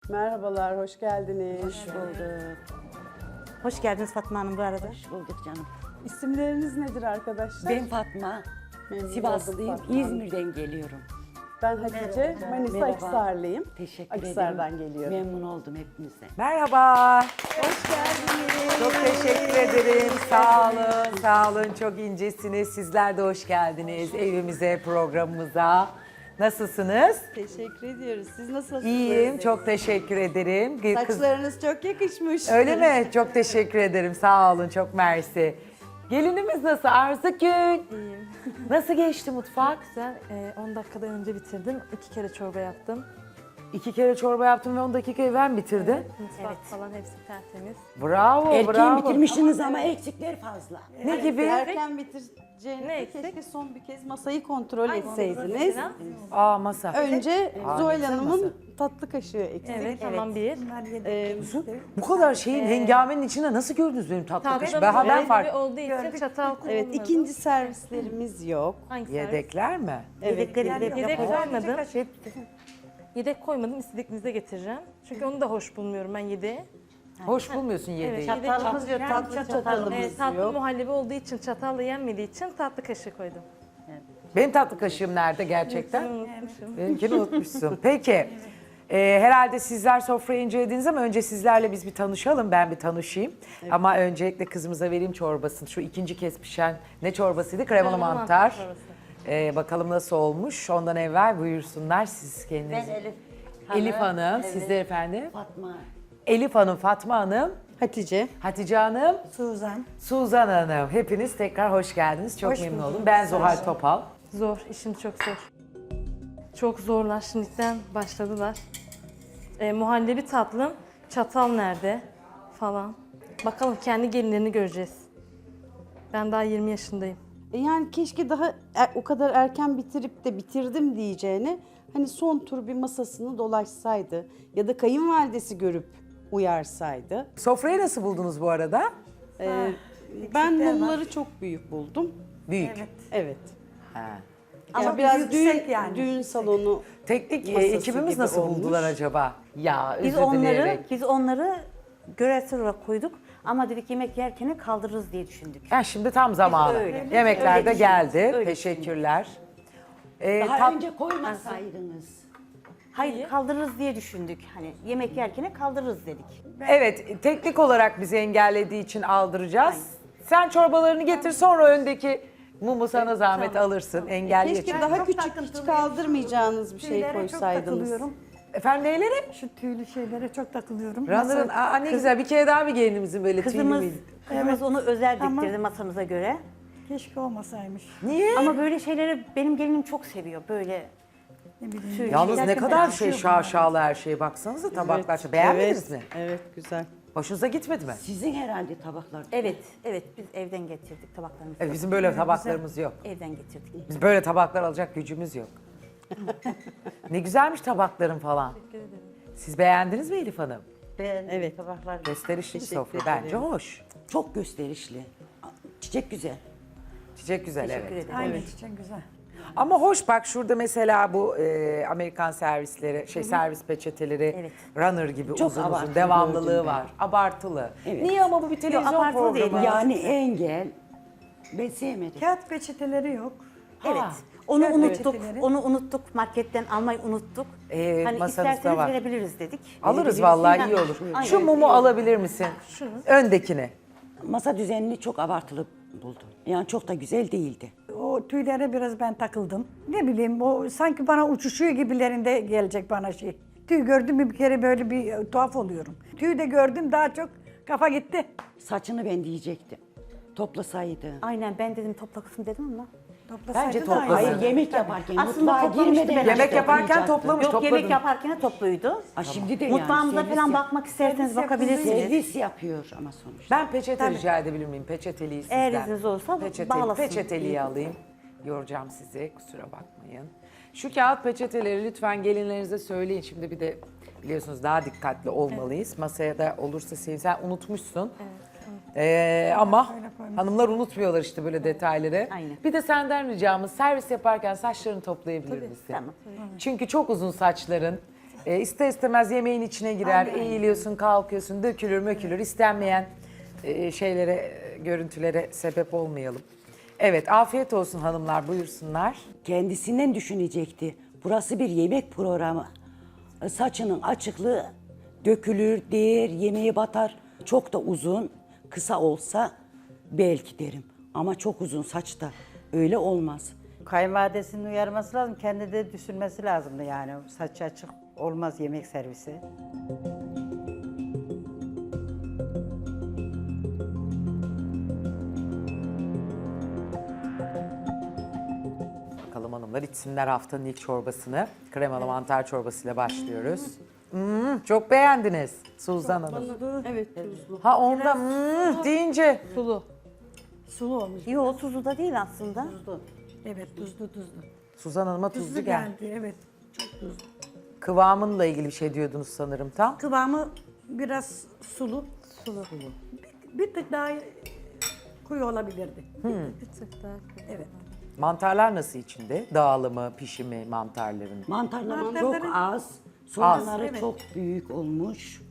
Merhabalar, hoş geldiniz. Hoş bulduk. Hoş geldiniz Fatma Hanım bu arada. Hoş bulduk canım. İsimleriniz nedir arkadaşlar? Ben Fatma. Memnun Sivaslıyım. oldum Fatma Hanım. İzmir'den geliyorum. Ben Hatice, Manisa Merhaba. Akhisarlıyım. Teşekkür Akhisar'dan ederim. geliyorum. Memnun oldum hepinize. Merhaba. Hoş geldiniz. Çok teşekkür ederim. Sağ olun, sağ olun. Çok incesiniz. Sizler de hoş geldiniz evimize, programımıza. Nasılsınız? Teşekkür ediyoruz. Siz nasılsınız? İyiyim, çok teşekkür ederim. Saçlarınız çok yakışmış. Öyle mi? Çok teşekkür ederim. Sağ olun, çok mersi. Gelinimiz nasıl Arzugül? İyiyim. Nasıl geçti mutfak? Güzel. 10 dakikadan önce bitirdim. 2 kere çorba yaptım. 2 kere çorba yaptım ve 10 dakikayı ben bitirdim. Mutfak falan hepsi tertemiz. Bravo, Erken bravo. bitirmişsiniz ama eksikler fazla. Ne gibi? Erken bitireceğiniz Ne eksik? keşke son bir kez masayı kontrol Hangi etseydiniz. mesela? Aa masa. Önce Zuhal güzel Hanım'ın tatlı kaşığı eksik. Evet, tamam bir. Bu kadar şeyin hengamenin içinde nasıl gördünüz benim tatlı kaşığı? Tatlım Ben gibi fark. olduğu için çatal kullanmadım. Evet, ikinci servislerimiz yok. Hangi servis? Yedekler mi? Yedekleri Yedek koymadım. Şey, Yedek koymadım. İstediğinizde getireceğim. Çünkü onu da hoş bulmuyorum ben yedeği. Hoş bulmuyorsun yedeği. Evet, Çatalımız yok, tatlı çatalımız tatlı yok. muhallebi olduğu için çatalla yenmediği için tatlı kaşığı koydum. Benim tatlı kaşığım nerede gerçekten? Unutmuşum. Benimkini unutmuşsun. Peki. Herhalde sizler sofrayı incelediniz ama önce sizlerle biz bir tanışalım. Ben bir tanışayım. Ama öncelikle kızımıza vereyim çorbasını. Şu ikinci kez pişen ne çorbasıydı? Kremalı Kremalı mantar. mantar çorbası. Bakalım nasıl olmuş. Ondan evvel buyursunlar siz kendiniz. Ben Elif. Elif Hanım, Evet. sizler efendim. Fatma. Elif Hanım, Fatma Hanım, Hatice. Hatice Hanım, Suzan. Suzan Hanım. Hepiniz tekrar hoş geldiniz. Çok memnun oldum. Ben Zuhal Topal. Zor, işim çok zor. Çok zorlar, şimdiden başladılar. Muhallebi tatlım, çatal nerede falan. Bakalım kendi gelinlerini göreceğiz. Ben daha 20 yaşındayım. Yani keşke daha o kadar erken bitirip de bitirdim diyeceğine hani son tur bir masasını dolaşsaydı ya da kayınvalidesi görüp uyarsaydı. Sofrayı nasıl buldunuz bu arada? Ben mumları çok büyük buldum. Büyük. Evet. Ha. Ama Ama biraz yüksek yani. düğün salonu Teknik Masası ekibimiz gibi nasıl olmuş. buldular acaba? Ya Biz özür onları dileyerek. biz onları göresel olarak koyduk ama dedik yemek yerken kaldırırız diye düşündük. Ha, şimdi tam zamanı. öyle. Yemekler Öyle de geldi. düşündük, öyle Teşekkürler. Daha önce koymasaydınız. Hayır kaldırırız diye düşündük. Hani yemek yerken kaldırırız dedik. Evet, teknik olarak bizi engellediği için aldıracağız. Sen çorbalarını getir, sonra öndeki mumu sana zahmet alırsın. Engelli keşke için. daha küçük hiç kaldırmayacağınız bir şey koysaydınız. Efendim neyleri? Şu tüylü şeylere çok takılıyorum. Runner'ın, aa ne güzel, bir kere daha bir gelinimizin böyle tüylü Kızımız, müydü? kızımız onu özel Ama- diktirdi masamıza göre. Keşke olmasaymış. Niye? Ama böyle şeyleri benim gelinim çok seviyor. Böyle Ne bileyim. tüy. Yalnız ne Yerken kadar ben- şey şaşalı her şeye baksanıza tabaklar. Beğenmediniz mi? Evet, güzel. Hoşunuza gitmedi mi? Sizin herhalde tabaklar. Evet, evet biz evden getirdik tabaklarımızı. Evet, bizim böyle tabaklarımız yok. Evden getirdik. Biz böyle tabaklar alacak gücümüz yok. Ne güzelmiş tabakların falan. Siz beğendiniz mi Elif Hanım? Evet. Tabaklar Gösterişli bir Teşekkür sofra. ederim. Bence hoş. Çok gösterişli. Çiçek güzel. Çiçek güzel, teşekkür evet. ederim. Aynen için güzel. Ama hoş bak şurada mesela bu Amerikan servisleri, servis peçeteleri Evet. runner gibi Çok uzun uzun abartılı devamlılığı gördüm ben. var. Abartılı. Evet. Niye ama bu bir televizyon abartılı değil. programı? Yani engel. Ben sevmedim. Kağıt peçeteleri yok. Evet. Onu Evet, unuttuk. peçeteleri. Onu unuttuk. Marketten almayı unuttuk. Hani masanızda isterseniz var. verebiliriz dedik. Alırız Verebiliriz. vallahi Ha, iyi olur. aynen. Şu mumu alabilir misin? Öndekini. Masa düzenini çok abartılı buldum. Yani çok da güzel değildi. O tüylere biraz ben takıldım. Ne bileyim o sanki bana uçuşuyor gibilerinde gelecek bana şey. Tüy gördüm mü bir kere böyle bir tuhaf oluyorum. Tüy de gördüm daha çok kafa gitti. Saçını ben diyecektim. Toplasaydı. Aynen ben dedim topla kızım dedim ama. Toplasaydın Bence da toplasın. aynı. Hayır yemek yaparken Aslında mutfağa toplamıştı girmeden ben. Yemek yaparken toplayacaktı. toplamış. Yok topladın. yemek yaparken topluydu. Ha, şimdi de yani Mutfağımıza servis falan yap- bakmak isterseniz bakabilirsiniz. Servis yapıyor ama sonuçta. Ben peçete rica edebilir miyim? Peçeteliği sizden. Eğer izniniz olursa bağlasın. Peçeteliği alayım. Yoracağım sizi, kusura bakmayın. Şu kağıt peçeteleri lütfen gelinlerinize söyleyin. Şimdi bir de biliyorsunuz daha dikkatli olmalıyız. Masaya da olursa sen unutmuşsun. Ama hanımlar unutmuyorlar işte böyle detayları. Aynen. Bir de senden ricamız servis yaparken saçlarını toplayabilir misin? Tamam. Çünkü çok uzun saçların. İster istemez yemeğin içine girer, eğiliyorsun, kalkıyorsun, dökülür mökülür. İstenmeyen şeylere, görüntülere sebep olmayalım. Evet, afiyet olsun hanımlar, buyursunlar. Kendisinden düşünecekti. Burası bir yemek programı. Saçının açıklığı dökülür, değer, yemeğe batar. Çok da uzun, kısa olsa belki derim. Ama çok uzun saçta öyle olmaz. Kayınvalidesinin uyarması lazım, kendi de düşünmesi lazımdı yani. Saçı açık olmaz yemek servisi. Bakalım hanımlar içsinler haftanın ilk çorbasını. Kremalı mantar çorbasıyla başlıyoruz. Çok beğendiniz Suzan Hanım. Evet, tuzlu. Ha onda deyince Sulu. Sulu olmuş. Yok tuzlu da değil aslında. Evet tuzlu. Suzan Hanım'a tuzlu geldi. Evet. Çok tuzlu. Kıvamınla ilgili bir şey diyordunuz sanırım tam. Kıvamı biraz sulu. Sulu. Bir tık daha koyu olabilirdi. Bir tık daha. Evet. Mantarlar nasıl içinde? Dağılımı, pişimi mantarların. Mantarları çok az, soğanları evet. çok büyük olmuş.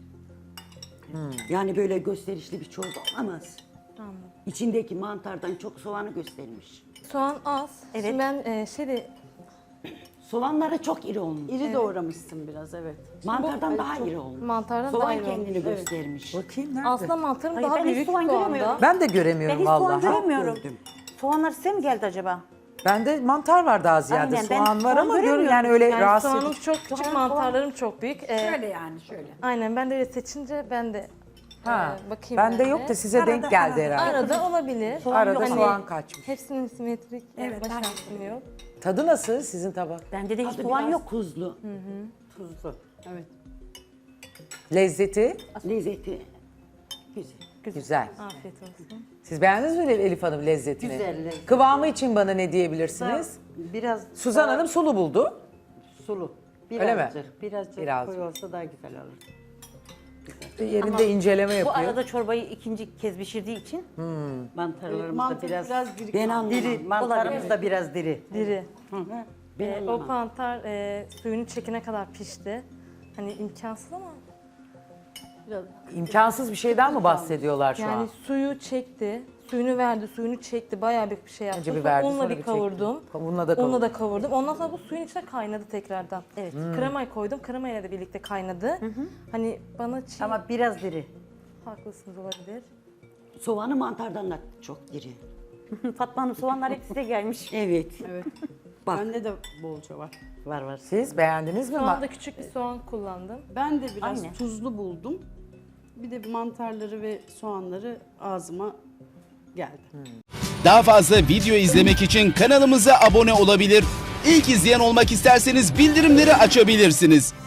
Yani böyle gösterişli bir çorba olamaz. İçindeki mantardan çok soğanı göstermiş. Soğan az. Evet. Şimdi ben Soğanları çok iri olmuş. İri doğramışsın biraz, evet. Mantardan daha iri olmuş. mantardan Soğan daha iyi kendini olmuş. göstermiş. Bakayım nerede? Aslında mantarım Hayır, daha ben hiç büyük soğan soğanda. göremiyorum. Ben de Ben göremiyorum hiç soğan vallahi. göremiyorum. gördüm. Soğanlar size mi geldi acaba? Bende mantar var daha ziyade. Aynen, ben soğan var soğan ama görün göremiyorum. yani öyle Yani rahatsız soğanım edici. çok küçük, mantarlarım çok büyük. Şöyle yani şöyle. Aynen ben de öyle seçince ben de Ha, bakayım. bende yani. yok da size denk geldi herhalde. Arada olabilir. Arada Hani soğan kaçmış. Hepsinin simetrik yapma şansım yok. Tadı nasıl sizin tabak? Bende de hiç Tadı soğan biraz yok. tuzlu. Tuzlu. Evet. Lezzeti Lezzeti güzel. güzel. Afiyet olsun. Siz beğendiniz mi Elif Hanım lezzetini? Güzel, lezzet. Kıvamı için bana ne diyebilirsiniz? Biraz Suzan daha Hanım sulu buldu. sulu. Öyle mi? Birazcık Birazcık. koyu olsa daha güzel olur. Yerinde inceleme Bu yapıyor. arada çorbayı ikinci kez pişirdiği için Mantarlarımız da Mantar biraz biraz diri. Ben anlamam. diri. Mantarımız da biraz diri. Diri. Ben O anlamam. mantar suyunu çekene kadar pişti. Hani imkansız ama İmkansız bir şeyden mi bahsediyorlar şu yani an? suyu çekti. Suyunu verdi, suyunu çekti. Bayağı bir şey yaptı. Önce bir Sonra verdi, unla sonra bir bir çekti. kavurdum. Unla da Unla kavurdum. da kavurdum. Ondan sonra bu suyun içine kaynadı tekrardan. Evet. Kremayı koydum. Kremayla da birlikte kaynadı. Hani bana çiğ... Ama biraz diri. Haklısınız olabilir. Soğanı mantardan da çok diri. Fatma Hanım soğanlar hep size gelmiş. Evet. Evet. Bak. Bende de bolca var. Var. Siz beğendiniz mi? Soğanda küçük bir soğan kullandım. Ben de biraz Aynen. tuzlu buldum. Bir de mantarları ve soğanları ağzıma geldi. Daha fazla video izlemek için kanalımıza abone olabilir. İlk izleyen olmak isterseniz bildirimleri açabilirsiniz.